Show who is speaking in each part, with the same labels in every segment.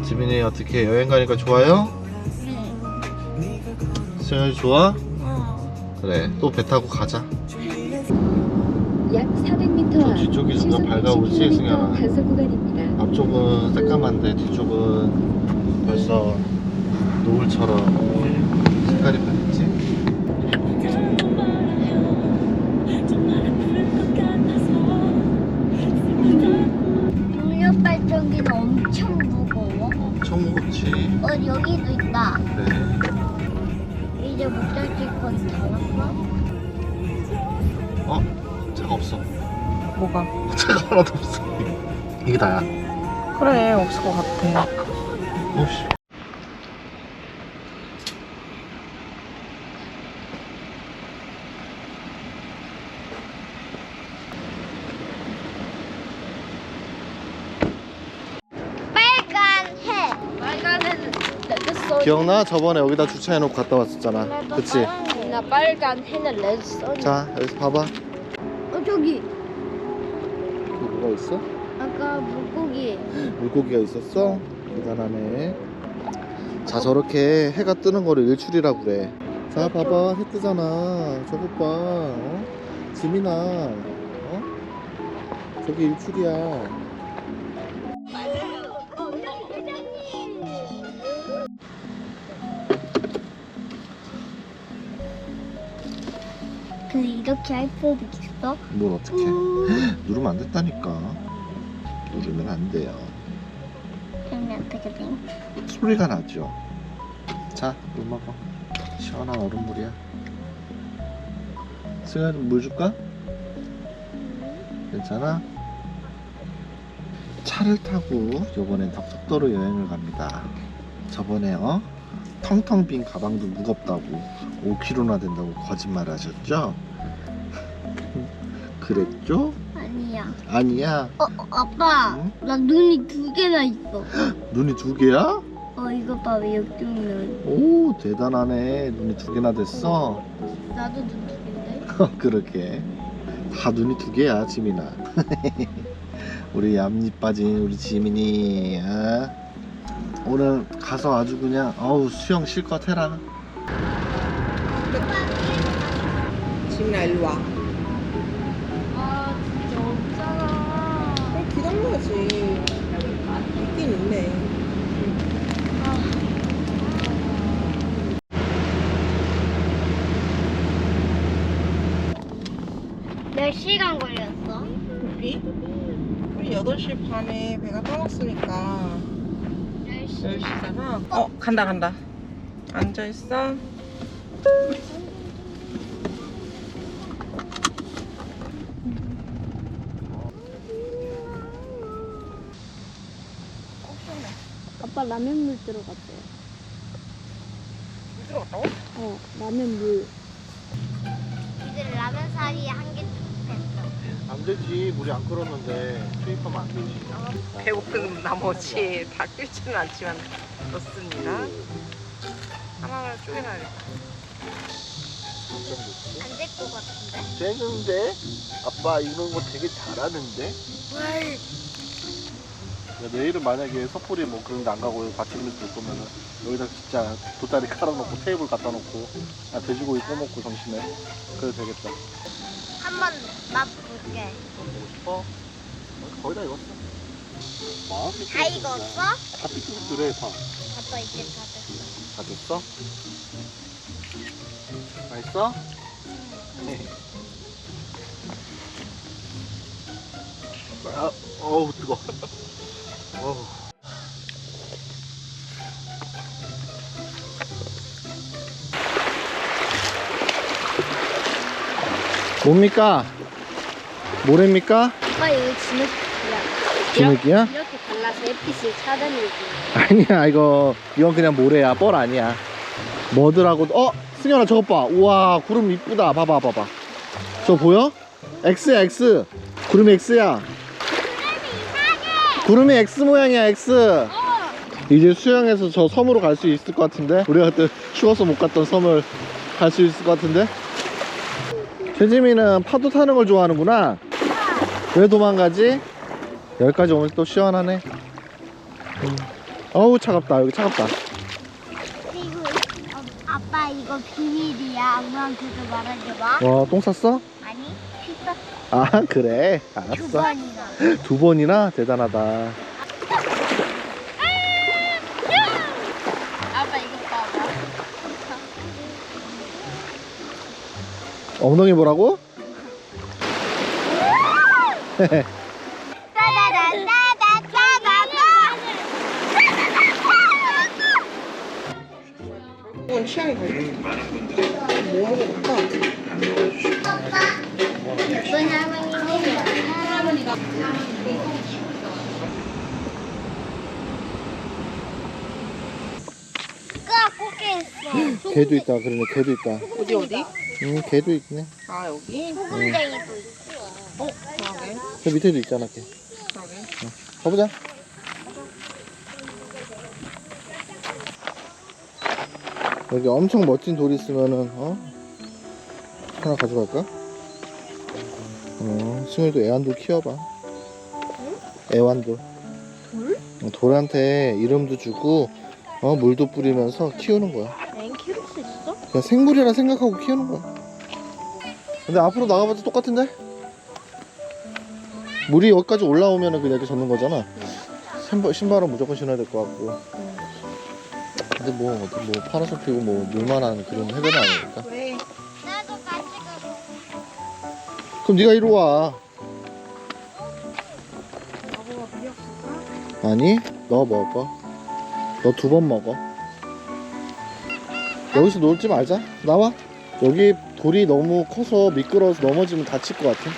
Speaker 1: 지민이 어떻게 여행 가니까 좋아요?
Speaker 2: 네.
Speaker 1: 수영이 좋아? 그래, 또 배 타고 가자.
Speaker 3: 약 400m
Speaker 1: 저 뒤쪽이 점점 밝아오지, 승현아?
Speaker 3: 단속 구간입니다.
Speaker 1: 앞쪽은 새까만데 뒤쪽은 벌써 노을처럼 색깔이 변했지?
Speaker 2: 동력 발전기는 엄청 무거워.
Speaker 1: 엄청 무겁지.
Speaker 2: 여기도 있다.
Speaker 1: 그래.
Speaker 2: 이제 목적지 거기 다 왔어?
Speaker 1: 차가 없어.
Speaker 4: 뭐가?
Speaker 1: 차가 하나도 없어. 이게 다야.
Speaker 4: 그래, 없을 것 같아.
Speaker 1: 오씨.
Speaker 2: 빨간 해. 빨간 해는 레드썬.
Speaker 1: 기억나? 저번에 여기다 주차해놓고 갔다 왔었잖아. 그치?
Speaker 2: 나 빨간 해는 레드썬.
Speaker 1: 자, 여기서 봐봐.
Speaker 2: 저기
Speaker 1: 여기 뭐가 있어?
Speaker 2: 아까 물고기.
Speaker 1: 물고기가 있었어? 대단하네. 자, 저렇게 해가 뜨는 거를 일출이라고 그래. 자, 봐봐. 해 뜨잖아. 저것 봐. 지민아. 저기 일출이야.
Speaker 2: 근데 이렇게 할 수도 있어?
Speaker 1: 뭘 어떻게 누르면 안 됐다니까. 누르면 안 돼요.
Speaker 2: 그러면 어떻게 돼?
Speaker 1: 소리가 나죠. 자, 물 먹어. 시원한 얼음물이야. 승현이 물 줄까? 괜찮아? 차를 타고 요번엔 덕덕도로 여행을 갑니다. 저번에 텅텅 빈 가방도 무겁다고 5kg나 된다고 거짓말 하셨죠? 그랬죠?
Speaker 2: 아니야.
Speaker 1: 아니야.
Speaker 2: 아빠.
Speaker 1: 응?
Speaker 2: 나 눈이 2개나 있어.
Speaker 1: 눈이 2개야?
Speaker 2: 이거 봐. 왜 역경면.
Speaker 1: 오, 대단하네. 눈이 2개나 됐어.
Speaker 2: 나도 눈 2개인데.
Speaker 1: 그러게. 다 눈이 2개야, 지민아. 우리 얌잎 빠진 우리 지민이. 오늘 가서 아주 그냥 수영 실컷 해라.
Speaker 4: 지민아, 일로 와.
Speaker 2: 진짜 없잖아.
Speaker 4: 기다려야지. 있긴 있네.
Speaker 2: 몇 시간 걸렸어?
Speaker 4: 우리 8시 반에 배가 떠났으니까
Speaker 2: 10시.
Speaker 4: 10시잖아. 간다. 앉아있어.
Speaker 2: 아빠 라면물 들어갔대.
Speaker 4: 물 들어갔다고?
Speaker 2: 라면물. 이들 라면 사이에 한개 툭했어.
Speaker 1: 안 되지. 물이 안 끓었는데 투입하면 안 되지.
Speaker 4: 배고픈 나머지 다 끓지는 않지만 넣습니다. 하나를 쪼개놔야겠다.
Speaker 2: 안 될 것 같은데?
Speaker 1: 되는데? 아빠 이런 거 되게 잘하는데? 야, 내일은 만약에 섣불리 뭐 그런 데 안 가고 받침을 들 거면은 여기다 진짜 돗자리 깔아놓고 테이블 갖다 놓고 돼지고기 꺼먹고 점심에 그래도 되겠다.
Speaker 2: 한번 맛볼게.
Speaker 1: 보고 싶어? 거의 다 익었어. 마음이
Speaker 2: 다 익었어?
Speaker 1: 다 삐뚤삐뚤해 다.
Speaker 2: 아빠 이제 다 됐어.
Speaker 1: 다 됐어? 맛있어? 어우 뜨거. 어우. 뭡니까? 뭐랍니까?
Speaker 2: 아빠 이거 진흙이야.
Speaker 1: 진흙이야?
Speaker 2: 이렇게 갈라서 햇빛을 차단해줘.
Speaker 1: 아니야, 이건 그냥 모래야. 뻘 아니야. 뭐더라고. 승현아 저것 봐. 우와, 구름 이쁘다. 봐봐. 저 보여? X야, X. 구름이 X야. 구름이 X 모양이야, X. 이제 수영해서 저 섬으로 갈 수 있을 것 같은데. 우리가 그때 추워서 못 갔던 섬을 갈 수 있을 것 같은데. 최지민은 파도 타는 걸 좋아하는구나. 왜 도망가지? 여기까지 오면 또 시원하네. 어우 차갑다. 여기 차갑다.
Speaker 2: 그리고 아빠 이거 비밀이야. 엄마한테도 말하지 마.
Speaker 1: 와 똥 쌌어?
Speaker 2: 아니 씻었어.
Speaker 1: 아 그래
Speaker 2: 두
Speaker 1: 알았어.
Speaker 2: 번이나.
Speaker 1: 2번이나 대단하다.
Speaker 2: 아빠 이거 봐봐.
Speaker 1: 엉덩이 뭐라고?
Speaker 4: 이건 취향이 다르지. 뭐 먹어볼까?
Speaker 2: 할머니가 꽃게 있어.
Speaker 1: 개도 있다. 그러네 개도 있다.
Speaker 4: 어디?
Speaker 1: 개도 있네.
Speaker 4: 아 여기?
Speaker 2: 소금쟁이도 있어.
Speaker 4: 그러게.
Speaker 1: 저 밑에도 있잖아 개.
Speaker 4: 그러게.
Speaker 1: 가보자. 여기 엄청 멋진 돌 있으면은 하나 가져갈까? 승우도 애완돌 키워봐. 애완돌. 돌? 돌한테 이름도 주고 물도 뿌리면서 키우는 거야.
Speaker 2: 엥 키울 수 있어?
Speaker 1: 그냥 생물이라 생각하고 키우는 거야. 근데 앞으로 나가봐도 똑같은데? 물이 여기까지 올라오면은 그냥 이렇게 젖는 거잖아. 신발은 무조건 신어야 될 것 같고. 근데 뭐 파라솔 피고 뭐 물만한 그런 해변은 아니니까.
Speaker 4: 왜?
Speaker 2: 나도 같이 가고.
Speaker 1: 그럼 네가 이리 와.
Speaker 4: 아버가 미역줄까?
Speaker 1: 아니, 너 먹어. 너 2번 먹어. 여기서 놀지 말자. 나와. 여기 돌이 너무 커서 미끄러워서 넘어지면 다칠 것 같아.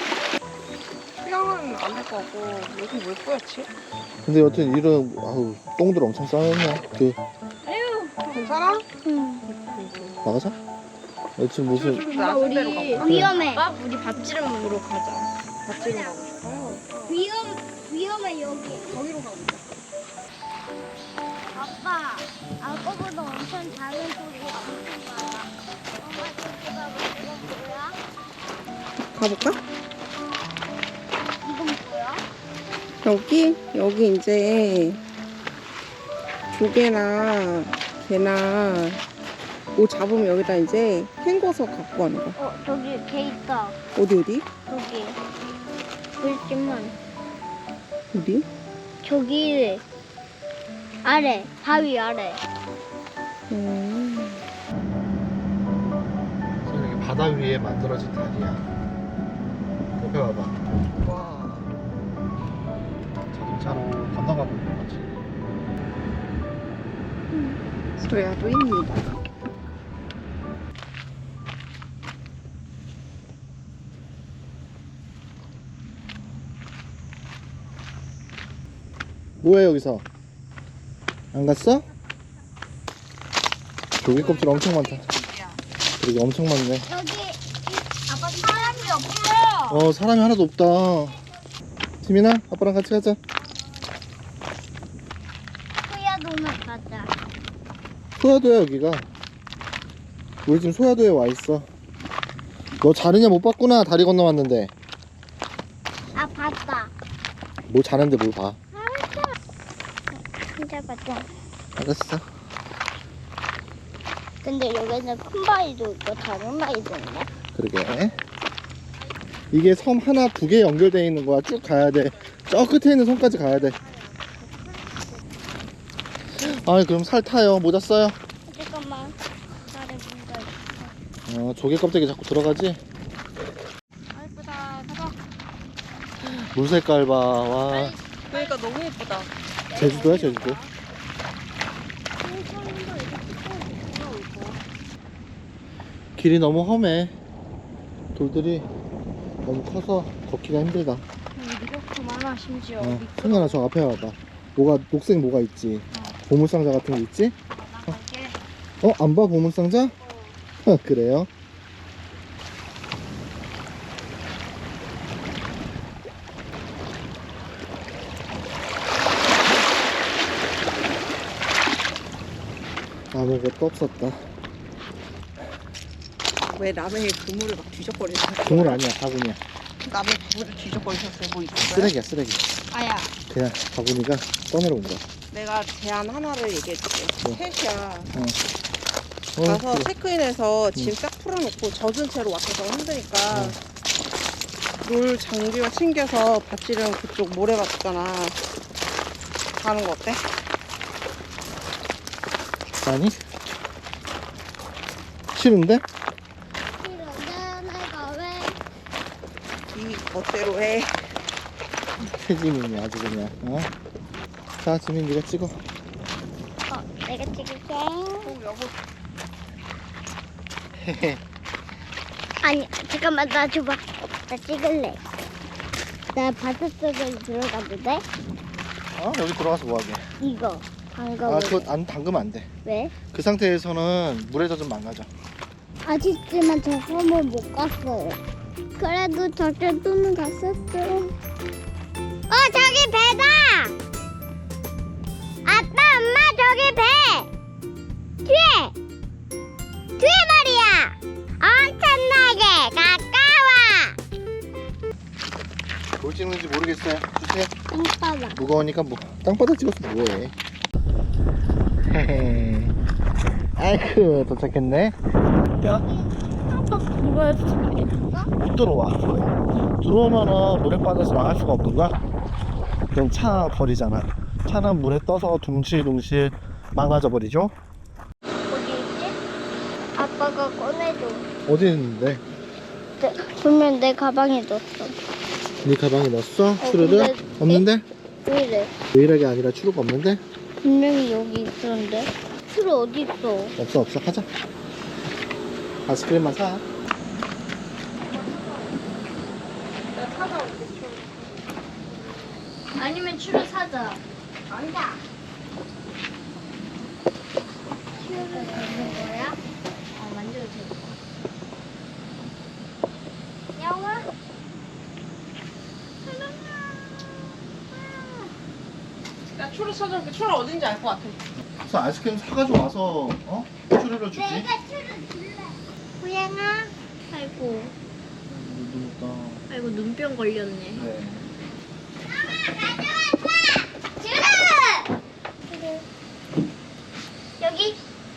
Speaker 4: 수영은 안 될 것 같고 여기 왜 뿌옇지?
Speaker 1: 근데 여튼 이런 똥들 엄청 쌓였네.
Speaker 4: 괜찮아?
Speaker 1: 나가자. 여튼 무슨
Speaker 4: 낮은 데로 가볼까?
Speaker 2: 위험해.
Speaker 3: 우리 밥지름으로 가자.
Speaker 4: 밭지로 가고 싶어요.
Speaker 2: 위험해 여기.
Speaker 4: 거기로 가보자.
Speaker 2: 아빠, 아까보다 엄청 작은 소리가 엄청 많아. 엄마 저기 봐봐. 이건 뭐야?
Speaker 4: 가볼까?
Speaker 2: 이건 뭐야?
Speaker 4: 여기 이제 조개나 개나 뭐 잡으면 여기다 이제 헹궈서 갖고 가는 거야.
Speaker 2: 저기 개 있다.
Speaker 4: 어디?
Speaker 2: 저기. 물집만.
Speaker 4: 어디?
Speaker 2: 저기 아래, 바위 아래.
Speaker 1: 여기 바다 위에 만들어진 다리야. 옆에 봐봐.
Speaker 4: 와.
Speaker 1: 자동차로 건너가 보는 거지.
Speaker 4: 소야도입니다.
Speaker 1: 뭐해 여기서? 안 갔어? 조개 껍질 엄청 많다. 그러게 엄청 많네.
Speaker 2: 여기 아빠 사람이 없어요.
Speaker 1: 사람이 하나도 없다. 지민아, 아빠랑 같이 가자.
Speaker 2: 소야동을 가자.
Speaker 1: 소야도야 여기가. 우리 지금 소야도에 와 있어. 너 자느냐 못 봤구나. 다리 건너왔는데.
Speaker 2: 아 봤다.
Speaker 1: 뭘 자는데 뭘 봐.
Speaker 2: 진짜 봤다.
Speaker 1: 알았어.
Speaker 2: 근데 여기는 큰 바위도 있고 작은 바위도 있네.
Speaker 1: 그러게. 이게 섬 하나 2개 연결되어 있는 거야. 쭉 가야 돼. 저 끝에 있는 섬까지 가야 돼. 그럼 살 타요. 모자 써요.
Speaker 2: 잠깐만. 나를 뭔가 있어.
Speaker 1: 조개 껍데기 자꾸 들어가지?
Speaker 2: 예쁘다. 봐봐.
Speaker 1: 물 색깔 봐. 와.
Speaker 4: 그러니까 너무 예쁘다.
Speaker 1: 제주도야 제주도. 길이 너무 험해. 돌들이 너무 커서 걷기가 힘들다.
Speaker 2: 이렇게 많아 심지어.
Speaker 1: 승현아 저 앞에 와봐. 녹색 뭐가 있지? 보물상자 같은 게 있지? 안 봐 보물상자? 그래요? 아무것도 없었다.
Speaker 4: 왜 라면에 그물을 막 뒤적거리는 거야?
Speaker 1: 그물 아니야 바구니야.
Speaker 4: 남의 물을 뒤적거리셨어요. 뭐 있어요?
Speaker 1: 쓰레기야 쓰레기.
Speaker 3: 아야.
Speaker 1: 그냥 바구니가 떠내려온 거야.
Speaker 4: 내가 제안 하나를 얘기해줄게.
Speaker 1: 뭐?
Speaker 4: 셋이야.
Speaker 1: 어,
Speaker 4: 가서
Speaker 1: 그래.
Speaker 4: 체크인해서 짐 딱 풀어놓고 젖은 채로 왔다가 힘드니까 롤 장비와 챙겨서 밧줄은 그쪽 모래 봤잖아. 가는 거 어때?
Speaker 1: 아니? 싫은데?
Speaker 2: 싫은데 내가 왜
Speaker 4: 이 멋대로 해.
Speaker 1: 태지민이 아주 그냥. 어? 자 지민 네가 찍어.
Speaker 2: 내가 찍을게.
Speaker 4: 여보.
Speaker 2: 아니 잠깐만 나 줘봐. 나 찍을래. 나 바닷속에 들어가도 돼?
Speaker 1: 여기 들어가서 뭐하게.
Speaker 2: 이거 방금
Speaker 1: 그거 안 담그면 안 돼.
Speaker 2: 왜?
Speaker 1: 그 상태에서는 물에 젖으면 망가져.
Speaker 2: 아쉽지만 저 섬을 못 갔어요. 그래도 저쪽은 갔었죠. 저기 배다! 아빠, 엄마, 저기 배! 뒤에 말이야! 엄청나게 가까워!
Speaker 1: 뭘 찍는지 모르겠어요. 주세요.
Speaker 2: 땅바닥.
Speaker 1: 무거우니까 뭐 땅바닥 찍어서 뭐해. 헤헤. 아이쿠 도착했네. 야
Speaker 3: 이거에 도착했어?
Speaker 1: 못 들어와. 들어오면은 물에 빠져서 나갈 수가 없는 거야. 그럼 차 버리잖아. 차는 물에 떠서 둥실둥실 망가져 버리죠.
Speaker 2: 어디 있지? 아빠가 꺼내줘.
Speaker 1: 어디 있는데?
Speaker 2: 분명 내 가방에 넣었어.
Speaker 1: 네 가방에 넣었어? 추루를?
Speaker 2: 근데-
Speaker 1: 없는데?
Speaker 2: 왜 이래?
Speaker 1: 왜 이러게 아니라 추루가 없는데?
Speaker 2: 분명히 여기 있었는데. 추루 어디 있어?
Speaker 1: 없어 가자. 아이스크림만 사.
Speaker 2: 아니면 추루 사자. 아니다. 추루가 있는 거야? 만져도 돼. 영화?
Speaker 4: 야, 초를 찾아볼게. 초를 어딘지 알 것 같아.
Speaker 1: 그래서 아이스크림 사가지고 와서 추루를 주지.
Speaker 2: 내가 추루 줄래. 고양아.
Speaker 3: 아이고.
Speaker 1: 눈다.
Speaker 3: 아이고 눈병 걸렸네.
Speaker 1: 네.
Speaker 2: 추루! 여기.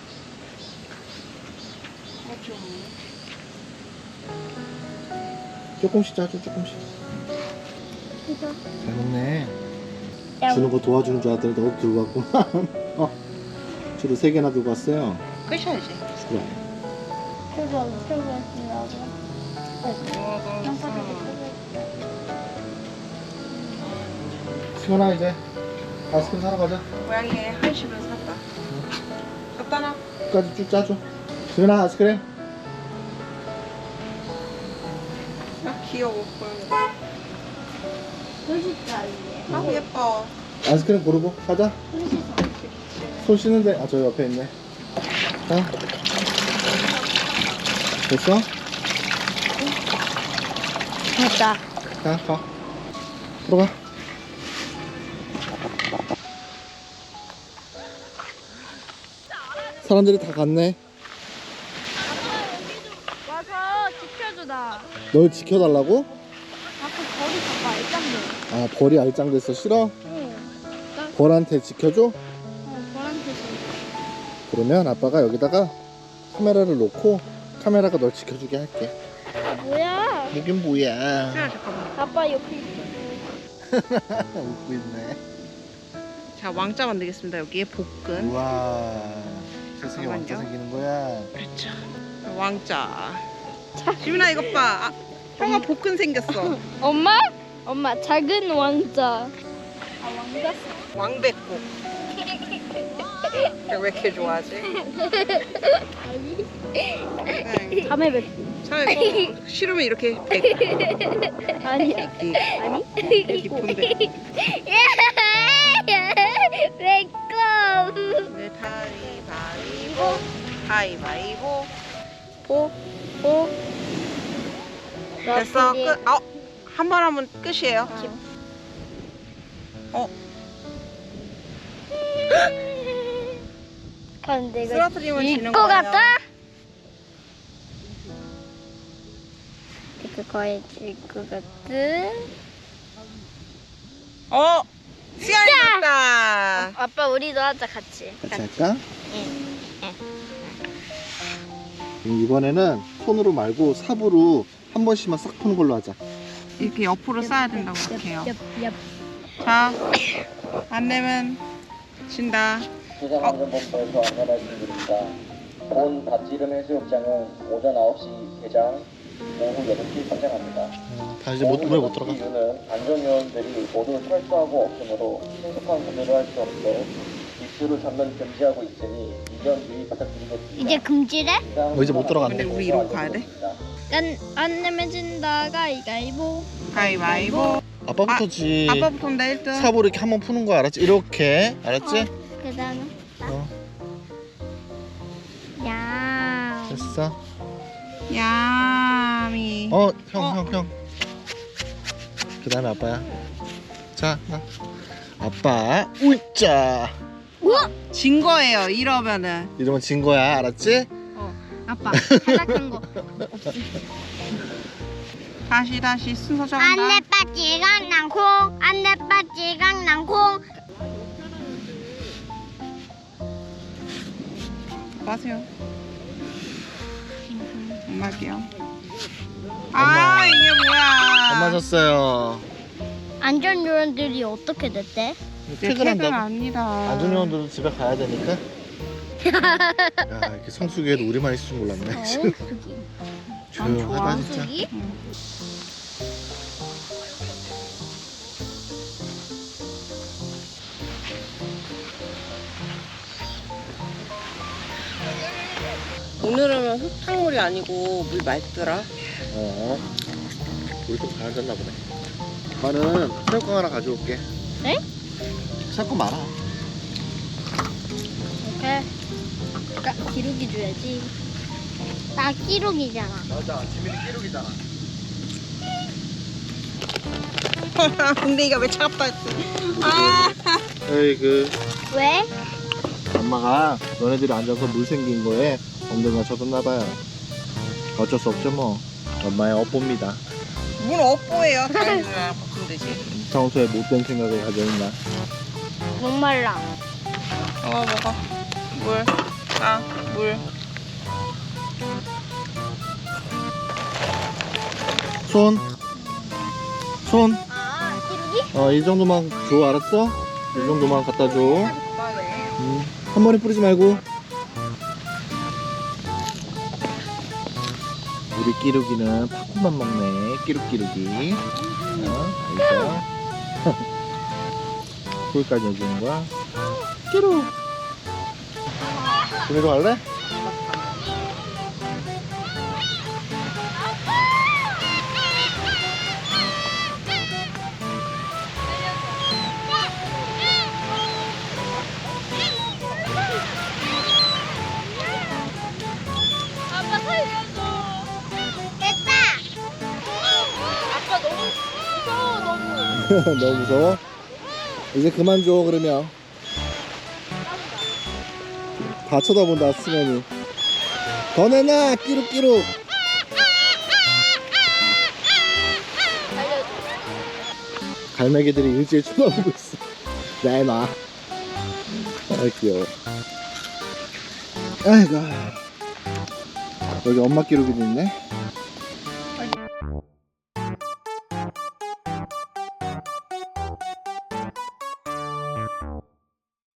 Speaker 1: 조금씩 짜줘 조금씩.
Speaker 2: 이거.
Speaker 1: 잘 먹네. 주는 거 도와주는 줄 알았더니 너도 들고 왔구만. 주로 3개나 들고 왔어요.
Speaker 4: 끄셔야지.
Speaker 1: 그래.
Speaker 2: 추루 엄청 맛있나봐.
Speaker 1: 시원아 이제 아이스크림 사러 가자.
Speaker 4: 고양이의 한식을 샀다. 갖다 놔.
Speaker 1: 끝까지 쭉 짜줘. 시원아 아이스크림.
Speaker 4: 아, 귀여워. 고양이.
Speaker 2: 맛있다 이게.
Speaker 4: 아, 예뻐.
Speaker 1: 아이스크림 고르고 가자.
Speaker 2: 맛있어.
Speaker 1: 손 씻는데 저 옆에 있네. 자. 됐어?
Speaker 2: 됐다.
Speaker 1: 자, 가. 들어가. 사람들이 다 갔네.
Speaker 3: 와서 지켜줘 나.
Speaker 1: 널 지켜달라고?
Speaker 3: 자꾸 벌이 자꾸 알짱네.
Speaker 1: 아, 벌이 알짱됐어. 싫어?
Speaker 3: 응.
Speaker 1: 벌한테 지켜줘?
Speaker 3: 벌한테 좀.
Speaker 1: 그러면 아빠가 여기다가 카메라를 놓고 카메라가 널 지켜주게 할게.
Speaker 3: 뭐야?
Speaker 1: 이긴 뭐야?
Speaker 4: 수야, 잠깐만.
Speaker 3: 아빠 옆에 있어.
Speaker 1: 웃고 있네.
Speaker 4: 자, 왕자 만들겠습니다. 여기에 볶은.
Speaker 1: 우와. 세상에 왕자
Speaker 4: 잠깐만요.
Speaker 1: 생기는 거야.
Speaker 4: 그렇죠. 왕자. 지민아, 이것 봐. 아, 형아 볶은 생겼어.
Speaker 3: 엄마? 엄마 작은 왕자.
Speaker 4: 왕백국. 왜 이렇게 좋아하지? 네.
Speaker 3: 밤에 뵙.
Speaker 4: 자, 이거 싫으면 이렇게 백.
Speaker 3: 아니야.
Speaker 4: 이
Speaker 3: 아니?
Speaker 4: 깊은데.
Speaker 2: 왜껌?
Speaker 4: 네, 가위바위보. 가위바위보. 보. 보. 됐어. 끝. 한 번 하면 끝이에요.
Speaker 2: 근데 이거
Speaker 4: 쓰러뜨리면 지는
Speaker 2: 이거
Speaker 4: 거예요.
Speaker 2: 같다?
Speaker 3: 그거 해줄 것 같아.
Speaker 4: 수연이 왔다.
Speaker 3: 아빠 우리도 하자 같이.
Speaker 1: 같이 할까?
Speaker 3: 응.
Speaker 1: 이번에는 손으로 말고 삽으로 한 번씩만 싹 푸는 걸로 하자.
Speaker 4: 이렇게 옆으로 쌓아야 된다고 해요.
Speaker 3: 얍.
Speaker 4: 자, 안 내면 진다.
Speaker 5: 기상안전본부에서 안내 말씀드립니다. 본 밭지름 해수욕장은 오전 9시 개장, 오후 8시 선장합니다.
Speaker 1: 다시 물에 못 들어가.
Speaker 5: 이유는 안전요원들이 모두 철수하고 없으므로 신속한 구조를 할 수 없도록 입수를 전면 금지하고 있으니 이전 유의 부탁드리겠습니다.
Speaker 2: 이제 금지래?
Speaker 1: 이제 못 들어간대.
Speaker 4: 근데 우리 이러고 가야 돼?
Speaker 3: 안 내면 진다. 가위가위보.
Speaker 4: 가위바위보.
Speaker 1: 아빠부터지.
Speaker 4: 아빠부터인데 1등.
Speaker 1: 삽으로 이렇게 한번 푸는 거 알았지? 이렇게 알았지?
Speaker 2: 그 다음에
Speaker 1: 어,
Speaker 2: 야.
Speaker 1: 됐어.
Speaker 4: 야미.
Speaker 1: 형. 그 다음에 아빠야. 자, 나. 아빠, 우짜.
Speaker 4: 진 거예요. 이러면은.
Speaker 1: 이러면 진 거야, 알았지?
Speaker 3: 아빠 탈락한 거.
Speaker 4: 다시 순서 정한다.
Speaker 2: 안내빠찌강 낭콩 안내빠찌강 낭콩.
Speaker 4: 마세요. 엄마 할게요.
Speaker 1: 엄마.
Speaker 4: 이게 뭐야?
Speaker 1: 엄마 졌어요.
Speaker 2: 안전요원들이 어떻게 됐대?
Speaker 4: 퇴근
Speaker 1: 퇴근한다고.
Speaker 4: 아니다.
Speaker 1: 안전요원들은 집에 가야 되니까. 야, 이렇게 성수기에도 우리만 있을 줄 몰랐네. 조용하다 진짜.
Speaker 2: 성수기?
Speaker 4: 오늘은 흙탕물이 아니고 물 맑더라.
Speaker 1: 우리 좀 가라졌나 보네. 나는 새우깡 하나 가져올게.
Speaker 3: 네?
Speaker 1: 새우깡 많아.
Speaker 3: 오케이. 기록이 줘야지.
Speaker 2: 나 끼룩이잖아.
Speaker 1: 맞아, 지민이 끼룩이잖아.
Speaker 4: 근데 이가 왜 차갑다 했어?
Speaker 1: 에이그
Speaker 2: 왜?
Speaker 1: 엄마가 너네들이 앉아서 물 생긴 거에 엉덩이가 젖었나봐요. 어쩔 수 없죠 뭐. 엄마의 업보입니다.
Speaker 4: 물 업보예요. 다이랑 바꾸면 되지.
Speaker 1: 평소에 못된 생각을 가져 있나.
Speaker 2: 목말라.
Speaker 4: 먹어. 물. 물.
Speaker 1: 손.
Speaker 2: 아, 끼룩이?
Speaker 1: 이 정도만 줘, 알았어? 이 정도만 갖다 줘. 한 번에 뿌리지 말고. 우리 끼룩이는 팝콘만 먹네. 끼룩끼룩이. 여기서 불까지 해주는 거야. 끼룩. 준이도 갈래?
Speaker 3: 아빠 살려줘.
Speaker 2: 됐다.
Speaker 3: 아빠 너무 무서워 너무.
Speaker 1: 너무 무서워? 이제 그만 줘, 그러면. 다 쳐다본다, 승현이. 더 내놔, 끼룩끼룩. 갈매기들이 일제히 쳐다보고 있어. 내놔. 아, 귀여워. 아이고. 여기 엄마 끼룩이도 있네.